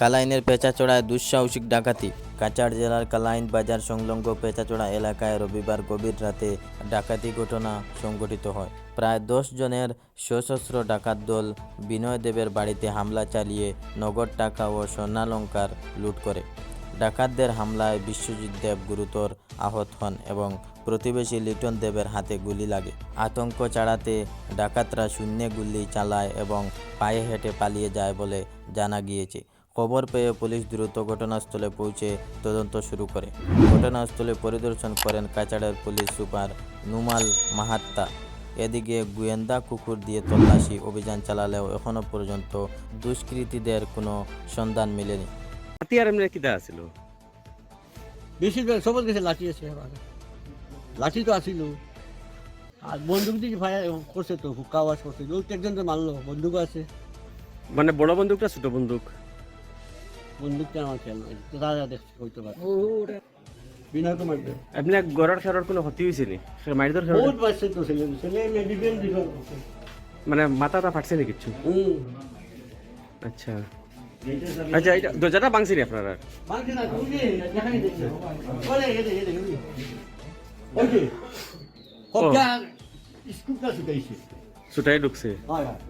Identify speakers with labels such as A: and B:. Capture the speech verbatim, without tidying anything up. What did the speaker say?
A: কালাইনের পেঁচাচড়ায় দুঃসাহসিক ডাকাতি। কাছাড় জেলার কালাইন বাজার সংলগ্ন পেঁচাচড়া এলাকায় রবিবার গভীর রাতে ডাকাতি ঘটনা সংঘটিত হয়। প্রায় দশ জনের সশস্ত্র ডাকাত দল বিনয় দেবের বাড়িতে হামলা চালিয়ে নগদ টাকা ও স্বর্ণালংকার লুট করে। ডাকাতদের হামলায় বিশ্বজিৎ দেব গুরুতর আহত হন এবং প্রতিবেশী লিটন দেবের হাতে গুলি লাগে। আতঙ্ক ছাড়াতে ডাকাতরা শূন্যে গুলি চালায় এবং পায়ে হেঁটে পালিয়ে যায় বলে জানা গিয়েছে। খবর পেয়ে পুলিশ দ্রুত ঘটনাস্থলে পৌঁছে তদন্ত শুরু করে। ঘটনাস্থলে পরিদর্শন করেন কাছাড়ের পুলিশ সুপার নুমাল মাহাত্তা। এদিকে গোয়েন্দা কুকুর দিয়ে তল্লাশি অভিযান চালালেও এখনও পর্যন্ত দুষ্কৃতীদের কোনো সন্ধান মেলেনি।
B: হাতিয়ার এমনি কিটা আছিল?
C: বেশিরভাগ সবার কাছে লাঠি আছে, লাঠি তো আসিল আর বন্দুক দিয়ে ফায়ার করছে, তো হুক্কা আওয়াজ করছে, ওই একজন তো মারলো, বন্দুক আছে।
B: মানে বড় বন্দুকটা ছোট বন্দুক?
C: বন্দুকটা আমার খেয়াল নাই, তো দাদা দেখছে হইতে পারে। বিনয় তো মারবে,
B: এমনি গড়ার খেলার কোনো ক্ষতি হয়েছে নি? মাইরদর খেলা
C: বহুত বাচ্চা তো ছেলে ছেলে মেডিকেল ডিফেন্স করছে।
B: মানে মাথাটা ফাটছে নি কিছু?
C: হুম
B: আচ্ছা আচ্ছা, এটা দরজাটা ভাঙছি নি আপনারা?
C: মারছে না, তুমি দেখাই দিচ্ছে বলে এদে এদে ওই যে হত্যা স্কুলটা ছুটাইছে।
B: ছুটাই ঢুকছে?
C: হয় হয়।